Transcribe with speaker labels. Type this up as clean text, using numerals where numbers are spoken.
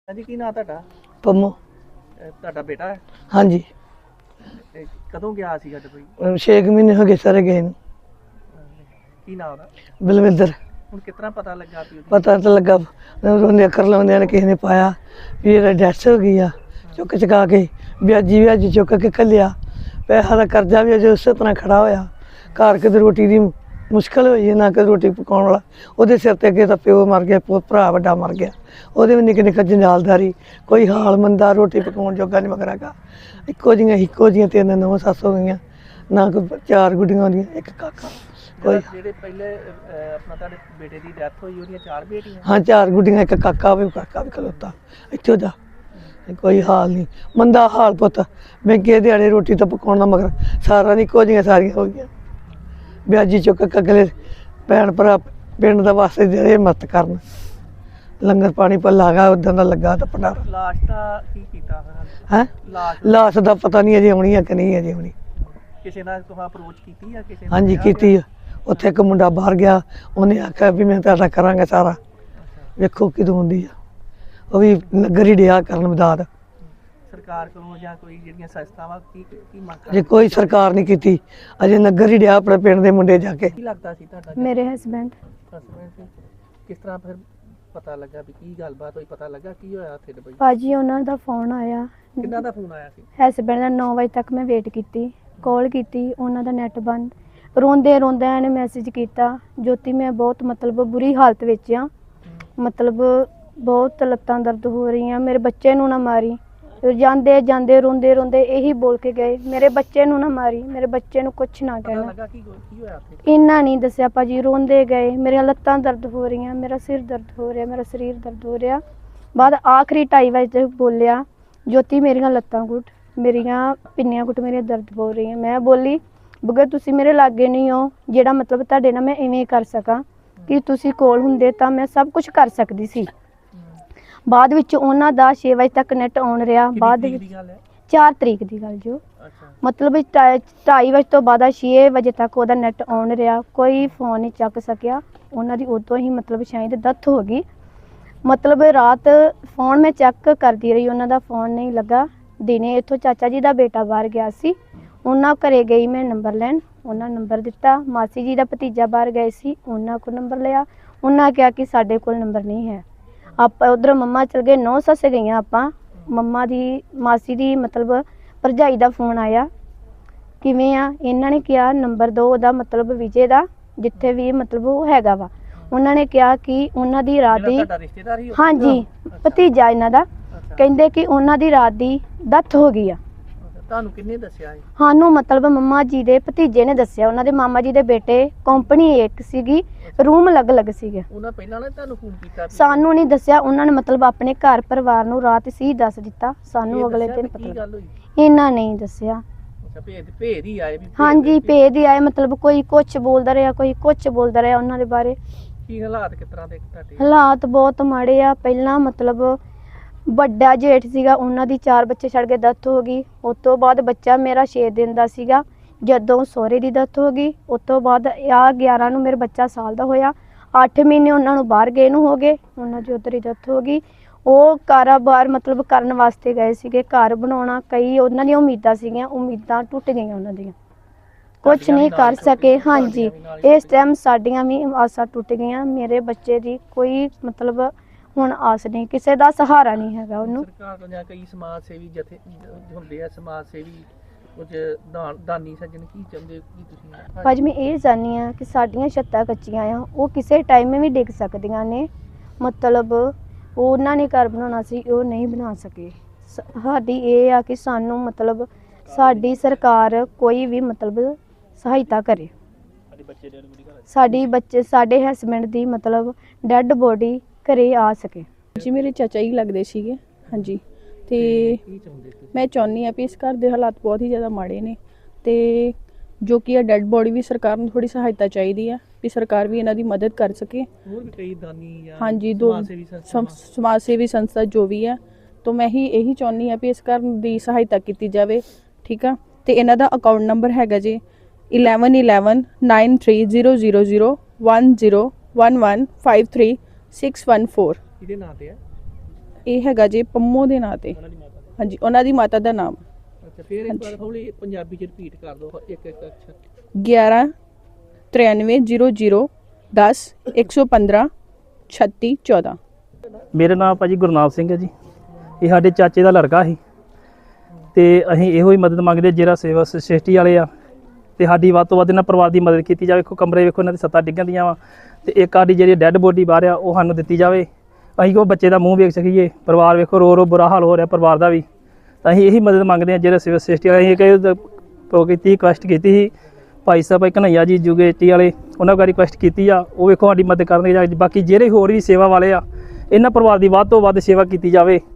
Speaker 1: ਹਾਂਜੀ, ਕੀ ਨਾਂ ਤੁਹਾਡਾ?
Speaker 2: ਪੰਮੋ।
Speaker 1: ਤੁਹਾਡਾ ਬੇਟਾ ਹੈ?
Speaker 2: ਹਾਂਜੀ।
Speaker 1: ਕਦੋਂ ਗਿਆ ਸੀਗਾ ਦੁਬਈ?
Speaker 2: 6 ਮਹੀਨੇ ਹੋ ਗਏ ਸਾਰੇ ਗਏ ਨੂੰ।
Speaker 1: ਕੀ ਨਾਂ ਉਹਦਾ?
Speaker 2: ਬਲਵਿੰਦਰ।
Speaker 1: ਹੁਣ ਕਿਤਨਾ ਪਤਾ ਲੱਗਾ ਵੀ
Speaker 2: ਪਤਾ ਤਾਂ ਲੱਗਾ, ਉਹਨੇ ਅੱਖਰ ਲਾਉਂਦਿਆਂ ਨੇ ਕਿਸੇ ਨੇ ਪਾਇਆ ਵੀ ਇਹਦਾ ਡੈਥ ਹੋ ਗਈ ਆ। ਚੁੱਕ ਚੁਕਾ ਕੇ ਵਿਆਜੀ ਚੁੱਕ ਕੇ ਘੱਲਿਆ। ਪੈਸਾ ਦਾ ਕਰਜ਼ਾ ਵੀ ਅਜੇ ਉਸੇ ਤਰ੍ਹਾਂ ਖੜਾ ਹੋਇਆ। ਘਰ ਕਿਤੇ ਰੋਟੀ ਦੀ ਮੁਸ਼ਕਿਲ ਹੋਈ ਹੈ, ਨਾ ਕਿ ਰੋਟੀ ਪਕਾਉਣ ਵਾਲਾ। ਉਹਦੇ ਸਿਰ ਤੇ ਅੱਗੇ ਤਾਂ ਪਿਓ ਮਰ ਗਿਆ, ਭਰਾ ਵੱਡਾ ਮਰ ਗਿਆ। ਉਹਦੇ ਵੀ ਨਿੱਕੇ ਨਿੱਕੇ ਜੰਜਾਲਦਾਰੀ, ਕੋਈ ਹਾਲ ਮੰਦਾ, ਰੋਟੀ ਪਕਾਉਣ ਜੋਗਾ ਨਹੀਂ ਮਗਰਾਗਾ। ਇੱਕੋ ਜਿਹੀਆਂ 3 ਨੌਂ ਸੱਸ ਹੋ ਗਈਆਂ, ਨਾ ਕੋਈ 4 ਗੁੱਡੀਆਂ ਹੁੰਦੀਆਂ, ਇੱਕ ਕਾਕਾ। ਕੋਈ
Speaker 1: ਜਿਹੜੇ ਪਹਿਲੇ ਆਪਣਾ ਤੁਹਾਡੇ ਬੇਟੇ ਦੀ ਡੈਥ ਹੋਈ, ਉਹਦੀਆਂ 4 ਬੇਟੀਆਂ?
Speaker 2: ਹਾਂ, 4 ਗੁੱਡੀਆਂ, ਇੱਕ ਕਾਕਾ ਵੀ ਖਲੋਤਾ ਇੱਥੋਂ ਦਾ। ਕੋਈ ਹਾਲ ਨਹੀਂ, ਮੰਦਾ ਹਾਲ ਪੁੱਤ। ਮਹਿੰਗੇ ਦਿਹਾੜੇ ਰੋਟੀ ਤਾਂ ਪਕਾਉਣ ਦਾ ਮਗਰ ਸਾਰਾ ਨਹੀਂ, ਇੱਕੋ ਜਿਹੀਆਂ ਸਾਰੀਆਂ ਹੋ ਗਈਆਂ। ਵਿਆਜੀ ਚੁੱਕ ਕੇ ਅਗਲੇ ਭੈਣ ਭਰਾ ਪਿੰਡ ਦਾ ਵਾਸਤੇ ਜਿਹੜੇ ਮਦਦ ਕਰਨ, ਲੰਗਰ ਪਾਣੀ ਭੱਲਾ ਗਾ ਉਦਾਂ ਦਾ ਲੱਗਾ ਤਾਂ ਭੰਡਾਰਾ।
Speaker 1: ਲਾਸ਼ ਦਾ ਕੀ ਕੀਤਾ
Speaker 2: ਹੈ? ਲਾਸ਼ ਦਾ ਪਤਾ ਨਹੀਂ ਅਜੇ ਆਉਣੀ ਆ ਕਿ ਨਹੀਂ ਅਜੇ ਆਉਣੀ।
Speaker 1: ਕਿਸੇ ਨਾਲ ਤੁਸੀਂ ਅਪਰੋਚ ਕੀਤੀ ਆ ਕਿਸੇ?
Speaker 2: ਹਾਂਜੀ ਕੀਤੀ ਆ। ਉੱਥੇ ਇੱਕ ਮੁੰਡਾ ਬਾਹਰ ਗਿਆ, ਉਹਨੇ ਆਖਿਆ ਵੀ ਮੈਂ ਤੁਹਾਡਾ ਕਰਾਂਗਾ ਸਾਰਾ, ਵੇਖੋ ਕਿਦੋਂ ਆਉਂਦੀ ਆ। ਉਹ ਵੀ ਨਗਰ ਹੀ ਡਿਆ ਕਰਨ ਮਦਦ।
Speaker 1: ਸਰਕਾਰ ਕੋਲੋਂ ਜਾਂ ਕੋਈ ਜਿਹੜੀਆਂ ਸੰਸਥਾਵਾਂ ਕੀ ਮੰਗ?
Speaker 2: ਅਜੇ ਕੋਈ ਸਰਕਾਰ ਨਹੀਂ ਕੀਤੀ, ਅਜੇ ਨਗਰ ਹੀ ਡਿਆ ਆਪਣੇ ਪਿੰਡ ਦੇ ਮੁੰਡੇ ਜਾ ਕੇ।
Speaker 1: ਕੀ ਲੱਗਦਾ ਸੀ ਤੁਹਾਡਾ?
Speaker 3: ਮੇਰੇ ਹਸਬੈਂਡ।
Speaker 1: ਕਿਸ ਤਰ੍ਹਾਂ ਫਿਰ ਪਤਾ ਲੱਗਾ ਵੀ ਕੀ ਗੱਲਬਾਤ ਹੋਈ? ਪਤਾ ਲੱਗਾ ਕੀ ਹੋਇਆ ਉੱਥੇ ਦੁਬਈ?
Speaker 3: ਭਾਜੀ ਉਹਨਾਂ ਦਾ ਫੋਨ ਆਇਆ।
Speaker 1: ਕਿੰਨਾ ਦਾ ਫੋਨ ਆਇਆ ਸੀ?
Speaker 3: ਹਸਬੈਂਡ ਦਾ 9 ਵਜੇ ਤੱਕ ਮੈਂ ਵੇਟ ਕੀਤੀ, ਕਾਲ ਕੀਤੀ, ਉਹਨਾਂ ਦਾ ਨੈਟ ਬੰਦ। ਰੋਂਦੇ ਇਹਨੇ ਮੈਸੇਜ ਕੀਤਾ, ਜੋਤੀ ਮੈਂ ਬਹੁਤ ਮਤਲਬ ਬੁਰੀ ਹਾਲਤ ਵਿੱਚ ਆ, ਮਤਲਬ ਬਹੁਤ ਲੱਤਾਂ ਦਰਦ ਹੋ ਰਹੀਆਂ, ਮੇਰੇ ਬੱਚੇ ਨੂੰ ਨਾ ਮਾਰੀ। ਜਾਂਦੇ ਰੋਂਦੇ ਇਹੀ ਬੋਲ ਕੇ ਗਏ, ਮੇਰੇ ਬੱਚੇ ਨੂੰ ਨਾ ਮਾਰੀ, ਮੇਰੇ ਬੱਚੇ ਨੂੰ ਕੁਛ ਨਾ ਕਹਿਣਾ। ਇੰਨਾ ਨਹੀਂ ਦੱਸਿਆ ਭਾਜੀ, ਰੋਂਦੇ ਗਏ, ਮੇਰੀਆਂ ਲੱਤਾਂ ਦਰਦ ਹੋ ਰਹੀਆਂ, ਮੇਰਾ ਸਿਰ ਦਰਦ ਹੋ ਰਿਹਾ, ਮੇਰਾ ਸਰੀਰ ਦਰਦ ਹੋ ਰਿਹਾ। ਬਾਅਦ ਆਖਰੀ 2:30 ਵਜੇ ਬੋਲਿਆ, ਜੋਤੀ ਮੇਰੀਆਂ ਲੱਤਾਂ ਘੁੱਟ, ਮੇਰੀਆਂ ਪਿੰਨੀਆਂ ਘੁੱਟ, ਮੇਰੀਆਂ ਦਰਦ ਹੋ ਰਹੀਆਂ। ਮੈਂ ਬੋਲੀ, ਬਗਰ ਤੁਸੀਂ ਮੇਰੇ ਲਾਗੇ ਨਹੀਂ ਹੋ ਜਿਹੜਾ ਮਤਲਬ ਤੁਹਾਡੇ ਨਾਲ ਮੈਂ ਇਵੇਂ ਕਰ ਸਕਾਂ, ਕਿ ਤੁਸੀਂ ਕੋਲ ਹੁੰਦੇ ਤਾਂ ਮੈਂ ਸਭ ਕੁਝ ਕਰ ਸਕਦੀ ਸੀ। ਬਾਅਦ ਵਿੱਚ ਉਹਨਾਂ ਦਾ 6 ਵਜੇ ਤੱਕ ਨੈਟ ਆਨ ਰਿਹਾ। ਬਾਅਦ ਵਿੱਚ 4 ਤਰੀਕ ਦੀ ਗੱਲ ਜੋ ਮਤਲਬ 2:30 ਵਜੇ ਤੋਂ ਬਾਅਦ 6 ਵਜੇ ਤੱਕ ਉਹਦਾ ਨੈਟ ਆਨ ਰਿਹਾ, ਕੋਈ ਫੋਨ ਨਹੀਂ ਚੱਕ ਸਕਿਆ। ਉਹਨਾਂ ਦੀ ਉਦੋਂ ਹੀ ਮਤਲਬ ਸ਼ਾਇਦ ਡੈਥ ਹੋ ਗਈ। ਮਤਲਬ ਰਾਤ ਫੋਨ ਮੈਂ ਚੈੱਕ ਕਰਦੀ ਰਹੀ, ਉਹਨਾਂ ਦਾ ਫੋਨ ਨਹੀਂ ਲੱਗਾ। ਦਿਨੇ ਇੱਥੋਂ ਚਾਚਾ ਜੀ ਦਾ ਬੇਟਾ ਬਾਹਰ ਗਿਆ ਸੀ, ਉਹਨਾਂ ਘਰੇ ਗਈ ਮੈਂ ਨੰਬਰ ਲੈਣ, ਉਹਨਾਂ ਨੰਬਰ ਦਿੱਤਾ। ਮਾਸੀ ਜੀ ਦਾ ਭਤੀਜਾ ਬਾਹਰ ਗਏ ਸੀ, ਉਹਨਾਂ ਕੋਲ ਨੰਬਰ ਲਿਆ। ਉਹਨਾਂ ਕਿਹਾ ਕਿ ਸਾਡੇ ਕੋਲ ਨੰਬਰ ਨਹੀਂ ਹੈ। ਆਪਾਂ ਉਧਰ ਮੰਮਾ ਚਲ ਗਏ, 9 ਸੱਸ ਗਈਆਂ ਆਪਾਂ। ਮੰਮਾ ਦੀ ਮਾਸੀ ਦੀ ਮਤਲਬ ਭਰਜਾਈ ਦਾ ਫੋਨ ਆਇਆ, ਕਿਵੇਂ ਆ? ਇਹਨਾਂ ਨੇ ਕਿਹਾ ਨੰਬਰ ਦਿਓ ਉਹਦਾ, ਮਤਲਬ ਵਿਜੇ ਦਾ, ਜਿੱਥੇ ਵੀ ਮਤਲਬ ਉਹ ਹੈਗਾ ਵਾ। ਉਹਨਾਂ ਨੇ ਕਿਹਾ ਕਿ ਉਹਨਾਂ ਦੀ ਰਾਤ ਦੀ, ਹਾਂਜੀ ਭਤੀਜਾ ਇਹਨਾਂ ਦਾ, ਕਹਿੰਦੇ ਕਿ ਉਹਨਾਂ ਦੀ ਰਾਤ ਦੀ ਡੈਥ ਹੋ ਗਈ ਆ।
Speaker 1: ਤੁਹਾਨੂੰ ਕਿੰਨੇ ਦੱਸਿਆ?
Speaker 3: ਸਾਨੂੰ ਮਤਲਬ ਮੰਮਾ ਜੀ ਦੇ ਭਤੀਜੇ ਨੇ ਦੱਸਿਆ, ਉਹਨਾਂ ਦੇ ਮਾਮਾ ਜੀ ਦੇ ਬੇਟੇ, ਕੰਪਨੀ ਇੱਕ ਸੀਗੀ, ਰੂਮ ਅਲੱਗ ਸੀਗੇ।
Speaker 1: ਉਹਨਾਂ ਪਹਿਲਾਂ ਨਾ ਤੁਹਾਨੂੰ ਫੋਨ ਕੀਤਾ?
Speaker 3: ਸਾਨੂੰ ਨਹੀਂ ਦੱਸਿਆ, ਉਹਨਾਂ ਨੇ ਮਤਲਬ ਆਪਣੇ ਘਰ ਪਰਿਵਾਰ ਨੂੰ ਰਾਤ ਸੀ ਦੱਸ ਦਿੱਤਾ, ਸਾਨੂੰ ਅਗਲੇ ਦਿਨ ਪਤਾ। ਇਹਨਾਂ ਨਹੀਂ ਦੱਸਿਆ।
Speaker 1: ਭੇਦ ਹੀ ਆਏ?
Speaker 3: ਹਾਂਜੀ ਭੇਦ ਹੀ ਆਏ, ਮਤਲਬ ਕੋਈ ਕੁਛ ਬੋਲਦਾ ਰਿਹਾ, ਕੋਈ ਕੁਛ ਬੋਲਦਾ ਰਿਹਾ ਉਹਨਾਂ ਦੇ ਬਾਰੇ।
Speaker 1: ਕੀ ਹਾਲਾਤ ਕਿਸ ਤਰ੍ਹਾਂ ਦੇ ਤੁਹਾਡੇ?
Speaker 3: ਹਾਲਾਤ ਬਹੁਤ ਮਾੜੇ ਆ। ਪਹਿਲਾਂ ਮਤਲਬ ਵੱਡਾ ਜੇਠ ਸੀਗਾ, ਉਹਨਾਂ ਦੀ 4 ਬੱਚੇ ਛੱਡ ਕੇ ਡੈਥ ਹੋ ਗਈ। ਉਸ ਤੋਂ ਬਾਅਦ ਬੱਚਾ ਮੇਰਾ 6 ਦਿਨ ਦਾ ਸੀਗਾ ਜਦੋਂ ਸਹੁਰੇ ਦੀ ਡੈਥ ਹੋ ਗਈ। ਉਸ ਤੋਂ ਬਾਅਦ 11 ਨੂੰ ਮੇਰਾ ਬੱਚਾ ਸਾਲ ਦਾ ਹੋਇਆ। 8 ਮਹੀਨੇ ਉਹਨਾਂ ਨੂੰ ਬਾਹਰ ਗਏ ਨੂੰ ਹੋ ਗਏ, ਉਹਨਾਂ ਦੀ ਉੱਧਰ ਹੀ ਡੈਥ ਹੋ ਗਈ। ਉਹ ਕਾਰੋਬਾਰ ਮਤਲਬ ਕਰਨ ਵਾਸਤੇ ਗਏ ਸੀਗੇ, ਘਰ ਬਣਾਉਣਾ, ਕਈ ਉਹਨਾਂ ਦੀਆਂ ਉਮੀਦਾਂ ਸੀਗੀਆਂ, ਉਮੀਦਾਂ ਟੁੱਟ ਗਈਆਂ ਉਹਨਾਂ ਦੀਆਂ, ਕੁਛ ਨਹੀਂ ਕਰ ਸਕੇ। ਹਾਂਜੀ ਇਸ ਟਾਈਮ ਸਾਡੀਆਂ ਵੀ ਆਸਾਂ ਟੁੱਟ ਗਈਆਂ। ਮੇਰੇ ਬੱਚੇ ਦੀ ਕੋਈ ਮਤਲਬ ਹੁਣ ਆਸ ਨਹੀਂ, ਕਿਸੇ ਦਾ ਸਹਾਰਾ ਨਹੀਂ ਹੈਗਾ ਉਹਨੂੰ।
Speaker 1: ਸਰਕਾਰ ਤੋਂ ਜਾਂ ਕਈ ਸਮਾਜ ਸੇਵੀ ਜਥੇ ਹੁੰਦੇ ਆ, ਸਮਾਜ ਸੇਵੀ ਕੁਝ ਦਾਨੀ ਸੱਜਣ ਕੀ ਚਾਹੁੰਦੇ? ਕੀ ਤੁਸੀਂ?
Speaker 3: ਭਾਜੀ ਮੈਂ ਇਹ ਚਾਹੁੰਦੀ ਹਾਂ ਕਿ ਸਾਡੀਆਂ ਛੱਤਾਂ ਕੱਚੀਆਂ ਆ, ਉਹ ਕਿਸੇ ਟਾਈਮ ਵੀ ਡਿੱਗ ਸਕਦੀਆਂ ਨੇ। ਮਤਲਬ ਉਹਨਾਂ ਨੇ ਘਰ ਬਣਾਉਣਾ ਸੀ, ਉਹ ਨਹੀਂ ਬਣਾ ਸਕੇ। ਸਾਡੀ ਇਹ ਆ ਕਿ ਸਾਨੂੰ ਮਤਲਬ ਸਾਡੀ ਸਰਕਾਰ ਕੋਈ ਵੀ ਮਤਲਬ ਸਹਾਇਤਾ ਕਰੇ। ਸਾਡੇ ਹਸਬੈਂਡ ਦੀ ਮਤਲਬ ਡੈੱਡ ਬੋਡੀ ਘਰੇ ਆ ਸਕੇ।
Speaker 4: ਜੀ ਮੇਰੇ ਚਾਚਾ ਹੀ ਲੱਗਦੇ ਸੀਗੇ। ਹਾਂਜੀ ਤੇ ਮੈਂ ਚਾਹੁੰਦੀ ਹਾਂ ਵੀ ਇਸ ਘਰ ਦੇ ਹਾਲਾਤ ਬਹੁਤ ਹੀ ਜ਼ਿਆਦਾ ਮਾੜੇ ਨੇ, ਤੇ ਜੋ ਕਿ ਇਹ ਡੈੱਡ ਬੋਡੀ ਵੀ ਸਰਕਾਰ ਨੂੰ ਥੋੜੀ ਸਹਾਇਤਾ ਚਾਹੀਦੀ ਆ, ਵੀ ਸਰਕਾਰ ਵੀ ਇਹਨਾਂ ਦੀ ਮਦਦ ਕਰ ਸਕੇ।
Speaker 1: ਹੋਰ ਵੀ ਕਈ ਦਾਨੀ ਜਾਂ
Speaker 4: ਹਾਂਜੀ ਸਮਾਜ ਸੇਵੀ ਸੰਸਥਾ ਜੋ ਵੀ ਹੈ, ਤਾਂ ਮੈਂ ਇਹੀ ਚਾਹੁੰਦੀ ਹਾਂ ਵੀ ਇਸ ਘਰ ਦੀ ਸਹਾਇਤਾ ਕੀਤੀ ਜਾਵੇ। ਠੀਕ ਆ, ਤੇ ਇਹਨਾਂ ਦਾ ਅਕਾਊਂਟ ਨੰਬਰ ਹੈਗਾ ਜੀ 111193000101153614।
Speaker 1: ਇਹਦੇ ਨਾਂ ਤੇ ਹੈ?
Speaker 4: ਇਹ ਹੈਗਾ ਜੇ ਪੰਮੋ ਦੇ ਨਾਂ ਤੇ। ਹਾਂਜੀ, ਉਹਨਾਂ ਦੀ ਮਾਤਾ ਦਾ ਨਾਮ
Speaker 1: ਅੱਛਾ, ਫਿਰ ਇੱਕ ਵਾਰ ਹੌਲੀ ਪੰਜਾਬੀ ਚ ਰਿਪੀਟ ਕਰ ਦਿਓ ਇੱਕ ਇੱਕ ਅੱਛਾ।
Speaker 4: 11 93 00 10 115 36 14।
Speaker 5: ਮੇਰਾ ਨਾਮ ਭਾਜੀ ਗੁਰਨਾਮ ਸਿੰਘ ਹੈ ਜੀ। ਇਹ ਸਾਡੇ ਚਾਚੇ ਦਾ ਲੜਕਾ ਸੀ ਤੇ ਅਸੀਂ ਇਹੋ ਹੀ ਮਦਦ ਮੰਗਦੇ ਜਿਹੜਾ ਸੇਵਾ ਸੁਸਾਇਟੀ ਵਾਲੇ ਆ ਤੇ ਸਾਡੀ ਵੱਧ ਤੋਂ ਵੱਧ ਇਹਨਾਂ ਪਰਿਵਾਰ ਦੀ ਮਦਦ ਕੀਤੀ ਜਾਵੇ। ਵੇਖੋ ਕਮਰੇ ਵੇਖੋ ਇਹਨਾਂ ਦੀ ਸੱਤਾਂ ਡਿੱਗਣ ਦੀਆਂ ਵਾ ਤੇ ਇੱਕ ਸਾਡੀ ਜਿਹੜੀ ਡੈੱਡ ਬੋਡੀ ਬਾਹਰ ਆ ਉਹ ਸਾਨੂੰ ਦਿੱਤੀ ਜਾਵੇ। ਅਸੀਂ ਕੋ ਬੱਚੇ ਦਾ ਮੂੰਹ ਵੇਖ ਸਕੀਏ। ਪਰਿਵਾਰ ਵੇਖੋ ਰੋ ਰੋ ਬੁਰਾ ਹਾਲ ਹੋ ਰਿਹਾ ਪਰਿਵਾਰ ਦਾ ਵੀ। ਤਾਂ ਅਸੀਂ ਇਹੀ ਮਦਦ ਮੰਗਦੇ ਹਾਂ ਜਿਹੜਾ ਸਿਵਲ ਸੁਸਾਇਟੀ ਵਾਲੇ ਅਸੀਂ ਰਿਕੁਐਸਟ ਕੀਤੀ ਸੀ ਭਾਈ ਸਾਹਿਬ ਕਨ੍ਹਈਆ ਜੀ ਯੂਗੇਟੀ ਵਾਲੇ, ਉਹਨਾਂ ਕੋਲ ਰਿਕੁਐਸਟ ਕੀਤੀ ਆ। ਉਹ ਵੇਖੋ ਸਾਡੀ ਮਦਦ ਕਰਨਗੇ। ਬਾਕੀ ਜਿਹੜੇ ਹੋਰ ਵੀ ਸੇਵਾ ਵਾਲੇ ਆ ਇਹਨਾਂ ਪਰਿਵਾਰ ਦੀ ਵੱਧ ਤੋਂ ਵੱਧ ਸੇਵਾ ਕੀਤੀ ਜਾਵੇ।